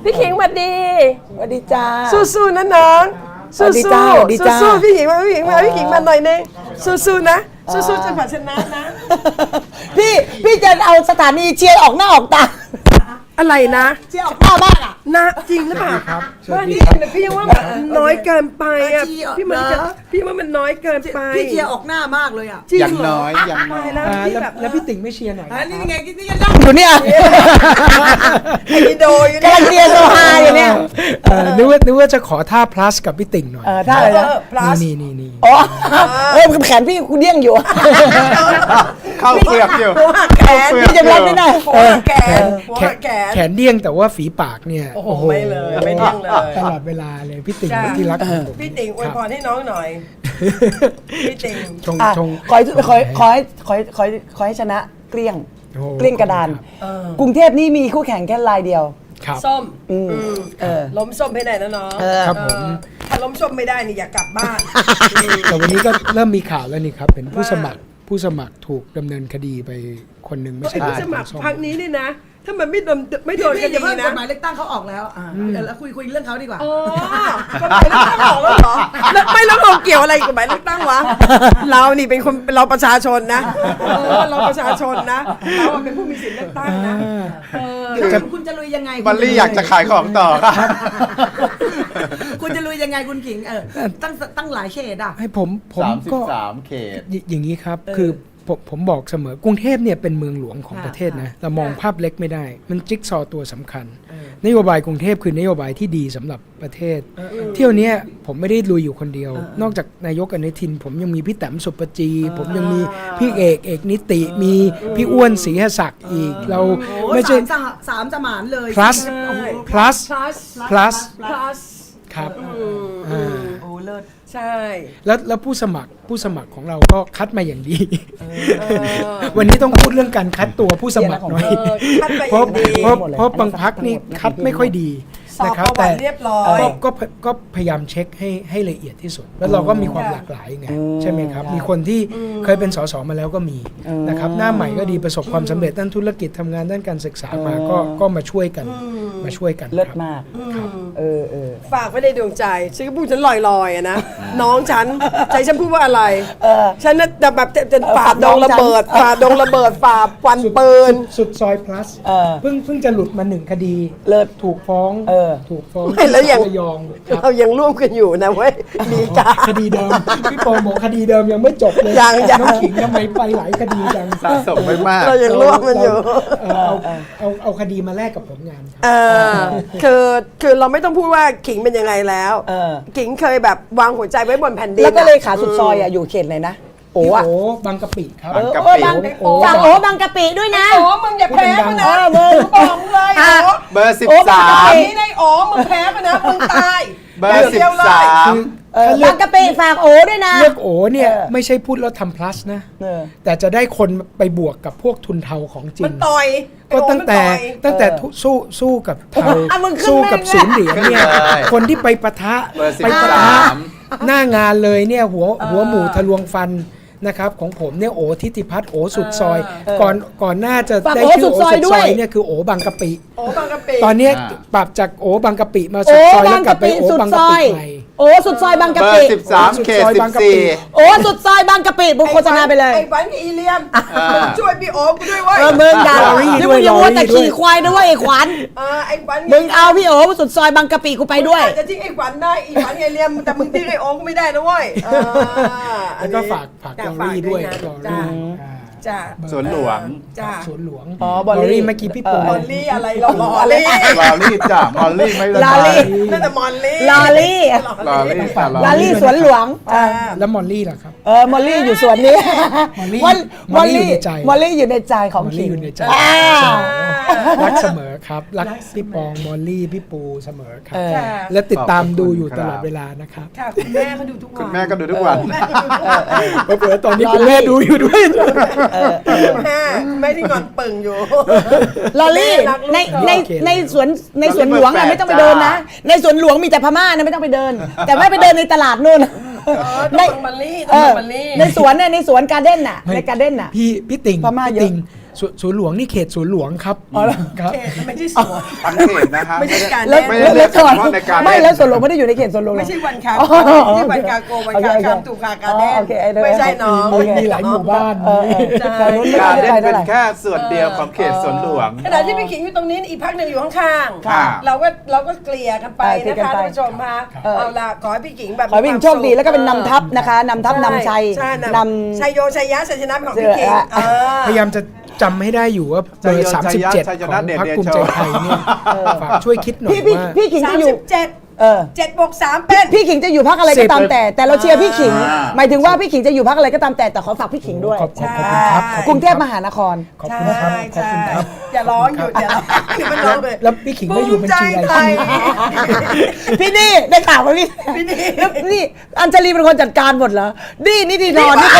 พี่ขิงสวัสดีสวัสดีจ้าสู้ๆนะน้องสู้ๆสวัสดีจ้าสู้ๆพี่ขิงมาพี่ขิงมาหน่อยนึงสู้ๆนะสู้ๆจนกว่าชนะนะพี่จะเอาสถานีเชียร์ออกหน้าออกตาอะไรนะเชียร์ออกหน้าบ้างอ่ะนะจริงหรือเปล่าครับว่านี่พี่ยังว่าแบบน้อยเกินไปอ่ะพี่ว่ามันน้อยเกินไปพี่เชียร์ออกหน้ามากเลยอ่ะจริงอย่างเหรน้ออยอย่างน้อยแล้วพี่แบบแล้วพี่ติ่งไม่เชียร์หน่อยนี่ไงนี่ไงนั่งอยู่เนี่ยไอ้โดอยู่กำลังเชียร์โซฮาอยู่เนี่ยนึกว่าจะขอท่า plus กับพี่ติ่งหน่อยท่าอะไรนะนี่อ๋อแขนพี่คุณเดี้ยงอยู่เข้าเปลือกอยู่หัวหักแขนพี่จะรับไม่ได้หัวหักแขนหัวหักแขนแขนเดี้ยงแต่ว่าฝีปากเนี่ยโอ้โหไม่เลยไม่เดี้ยงเลยตลอดเวลาเลยพี่ติ่งจ้ะที่รักของผมพี่ติ่งอวยพรให้น้องหน่อยพี่ติ่งชงอ่ะชงขอให้ชนะเกลี้ยงโอ้เกลี้ยงกระดาน กรุงเทพนี่มีคู่แข่งแค่รายเดียวครับส้มเออล้มส้มให้ได้นะน้องครับผมถ้าล้มส้มไม่ได้นี่อย่ากลับบ้านแต่วันนี้ก็เริ่มมีข่าวแล้วนี่ครับเป็นผู้สมัครถูกดำเนินคดีไปคนหนึ่งไม่ไอ้ใช่ผู้สมัครส้พักนี้นี่นะ ถ้ามันไม่โดนคดีนะกฎหมายเลือกตั้งเขาออกแล้วเดี๋ยวคุยเรื่องเขาดีกว่าอ๋อกฎหมายเลือกตั้งออกแล้วเหรอแล้วเราเกี่ยวอะไรกับกฎหมายเลือกตั้งวะเรานี่เป็นคนเราประชาชนนะเราประชาชนนะเราเป็นผู้มีสิทธิ์เลือกตั้งนะคุณจะลุยยังไงบัลลี่อยากจะขายของต่อครับคุณจะลุยยังไงคุณขิงตั้งหลายเฉดอ่ะให้ผมก็ 33 เขตอย่างนี้ครับคือผมบอกเสมอกรุงเทพเนี่ยเป็นเมืองหลวงของประเทศนะเรามองภาพเล็กไม่ได้ มันจิ๊กซอว์ตัวสำคัญนโยบายกรุงเทพคือนโยบายที่ดีสำหรับประเทศเที่ยวนี้ผมไม่ได้ลุยอยู่คนเดียว นอกจากนายกอนุทินผมยังมีพี่แต้มสุปจีผมยังมีพี่เอกนิติมีพี่อ้วนศรีหศักดิ์อีกเราไม่ใช่สามสมานเลย plus plus plus ครับโอ้เลิศใช่แล้วผู้สมัครของเราก็คัดมาอย่างดี วันนี้ต้องพูดเรื่องการคัดตัวผู้สมัครหน่อยคัดไปเพราะดีเพราะบางพักนี่คัดไม่ค่อยดีสอบนะคปรับระวัติเรียบร้อยก็พยายามเช็คให้ละเอียดที่สุด แล้วเราก็มีความหลากหลายไงใช่ไหมครับ มีคนที่เคยเป็นสสมาแล้วก็มีนะครับหน้าใหม่ก็ดีประสบความสำเร็จด้านธุรกิจทำงานด้านการศึกษามาก็มาช่วยกันเลิศครับมากฝากไว้ในดวงใจฉันก็พูดฉันลอยๆอะนะ น้องฉันใจฉันพูดว่าอะไรฉันน่ะแบบจะฝ่าดงระเบิดฝ่าควันปืนสุดซอย plus เพิ่งจะหลุดมา1 คดีเลิศถูกฟ้องไม่แล้วยังระยองครับเรายังร่วมกันอยู่นะเว้ยดีกาคดีเดิมพี่ปอบอกคดีเดิมยังไม่จบเลยยังน้องขิงทำไมไปหลายคดีจังสะสมไว้มากเรายังร่วมกันอยู่เอาคดีมาแลกกับผลงานครับคือเราไม่ต้องพูดว่าขิงเป็นยังไงแล้วขิงเคยแบบวางหัวใจไว้บนแผ่นดินแล้วก็เลยขาสุดซอยอยู่เขตไหนนะโอ้พี่อะโอบางกะปิครับบางกะปิบางบางกะปิด้วยนะโอ้มึงอย่าแพ้มันนะมึงบอกมึงเลยโอ้เบอร์นี่ในโอ้มึงแพ้มันนะมึงตาย 13 เบอร์เดียวเลย 13 บางกะปิฝากโอด้วยนะเลือกโอเนี่ยไม่ใช่พูดแล้วทำ plus นะ แต่จะได้คนไปบวกกับพวกทุนเทาของจริมันงต่อยก็ตั้งแต่สู้กับเทามึงขึ้นสู้กับแม่งศูนย์เหรียญเนี่ยขึ้นเลยคนที่ไปปะทะเบอร์ไปปะทะ 13 หน้างานเลยเนี่ยหัวหมูทะลวงฟันนะครับของผมเนี่ยโอทิติพัฒน์โอสุดซอยก่อนหน้าจะได้ชื่อโอสุดซอยเนี่ยคือโอบางกะปิโอ้บางกะปิตอนเนี้ยปรับจากโอบางกะปิมาสุดซอยแล้วกลับไปโอบางกะปิใหม่โอ้สุดซอยบางกะเบอปิร์ 13 เขต 14 โอ้สุดซอยบางกะปิบุกโฆษณาไปเลยไอ้ฝันกับอีเลียมช่วยพี่โอ๊กูด้วยเว้ยมึงด่าลอรี่นี่ด้มึวยงอย่ามัวแต่ลอรี่ด้วยขี่ควายนะเว้ยไอ้ขวัญไอ้ฝันมึงเอาพี่โอ๋สุดซอยบางกะปิกูไปด้วยจะทิ้งไอ้ฝันได้ไอ้ฝันไอ้เลียมแต่มึงทิ้งไอ้โอ๊กูไม่ได้นะเว้ยแล้วก็ฝากลอรี่ด้วยลอรี่จ้าสวนหลวงจ้าสวนหลวงอ๋อบอลลี่เมื่อกี้พี่ปูมอลลี่อะไรหรอมอลลี่ลอรี่จ้ะมอลลี่ไม่ได้ลอรี่นั่นแต่มอลลี่ลอรี่ลอรี่ค่ะลาลี่สวนหลวงแล้วมอลลี่ล่ะครับมอลลี่อยู่สวนนี้มอลลี่อยู่ในใจมอลลี่อยู่ในใจของมอลขิลี่งอยู่ในใจอ่ารักเสมอครับ รักพี่ปองมอลลี่พี่ปูเสมอครับค่ะและติดตามดูอยู่ตลอดเวลานะครับค่ะคุณแม่เขาดูทุกวันคุณแม่ก็ดูทุกวันเผื่อๆตอนนี้คุณแม่ดูอยู่ด้วยแม่ที่งอนปึ่งอยู่ลอรี่ในสวนหลวงอะไม่ต้องไปเดินนะ ในสวนหลวงมีแต่พม่านะไม่ต้องไปเดิน แต่ไม่ไปเดินในตลาดนู่นต้องมอลลี่ต้องมอลลี่ในสวนการ์เด้นน่ะในการ์เด้นน่ะพี่ติ่งพม่าพี่เยอะติ่งสวนหลวงนี่เขตสวนหลวงครับครับเขตไม่ใช่สวนทั้งเขตนะฮะไม่ใช่การแล้วเล่นไม่ได้แล้วก่อนเฉพาะในการเล่นไม่แล้วสวนหลวงไม่ได้อยู่ในเขตสวนหลวงหรอไม่ใช่วันคาอ๋อที่วันคาโกวันคาคำถูกคาการเล่นโอเคไม่ใช่น้องมีหลายหมู่บ้านแต่นู้นไม่การได้เล่นไปเป็เท่าน ไหร่แค่ส่วนเดียวของเขตสวนหลวงขณะที่พี่ขิงอยู่ตรงนี้อีกพักหนึ่งอยู่ข้างค่ะๆเราก็เกลี่ยกันไปเกลี่นะยกันคะไปท่านผู้ชมคะเอาล่ะขอให้พี่ขิงแบบขอให้พี่หญิงโชคดีแล้วก็เป็นนำทัพนะคะนำทัพนำชัยใช่นชัยโยชัยยะชัยชนะเป็นของพี่ขิงพยายายามจะจำให้ได้อยู่ว่าเบอร์ชัยยะ 37 ชัยชขนะองเดชพรรคเดชภูมิใจไทยเนี่ยฝากช่วยคิดหน่อยพี่ว่าพี่ขิงจะอยู่ 37 เออ 7 บวก 3 เป็นพี่ขิงจะอยู่พักอะไรก็ตามแต่เราเชียร์พี่ขิงอ่าหมายถึงว่าพี่ขิงจะอยู่พักอะไรก็ตามแต่ขอฝากพี่ขิงด้วยขอบคุณใช่ครับกรุงเทพมหานครขอบคุณครับขอบคุณครับอย่าร้องหยุดอย่าร้องหยุดมันร้องเลยแล้วพี่ขิงไม่อยู่บัญชีรายชื่อพี่นี่ได้ข่าวไหมพี่พี่นี่แล้วนี่อัญชลีเป็นคนจัดการหมดเหรอนี่นิติธรนี่ก็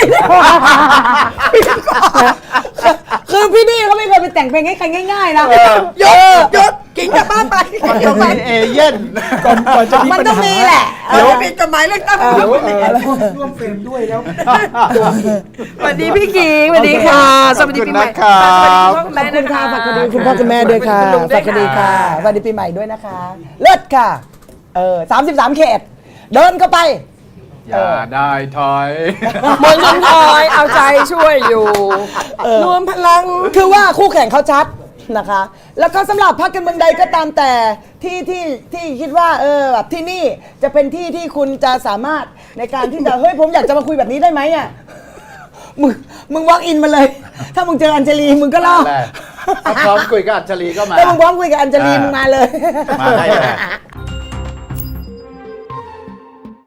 คือพี่นี่เขาไม่เคยไปแต่งเพลงให้ใครง่ายๆนะหยุดกิ่งกลับบ้านไปมันต้องมีเอเย่นก่อนจะมีมันปัญต้องหามีแหละเดี๋ยวผิดกฎหมายเลือกตั้งร่วมเฟรมด้วยแล้วสวัสดีพี่ขิงสวัสดีค่ะสวัสดีปีใหม่ขอบคุณนะครับสวัสดีพ่อคุณแม่ขอบนะคุณคะค่ะฝากคุณพ่อคุณแม่ด้วยค่ะณลุงฝากคดีค่ะสวัสดีปีใหม่ด้วยนะคะ เลิศค่ะ33 เขต เดินเข้าไปอย่าได้ถอยมนต์ชนทอยเอาใจช่วยอยู่รวมพลังคือว่าคู่แข่งเขาชัดนะคะ แล้วก็สำหรับพรรคการเมืองใดก็ตามแต่ที่คิดว่าแบบที่นี่จะเป็นที่ที่คุณจะสามารถในการที่จะ เฮ้ยผมอยากจะมาคุยแบบนี้ได้ไหมอ่ะมึงวอล์กอินมาเลย ถ้ามึงเจออัญชลีมึงก็ล่อแหละถ้าพร้อมคุยกับอัญชลีก็มาถ้ามึงพร้อมคุยกับอัญชลีมึงมาเลยมาได้แหละ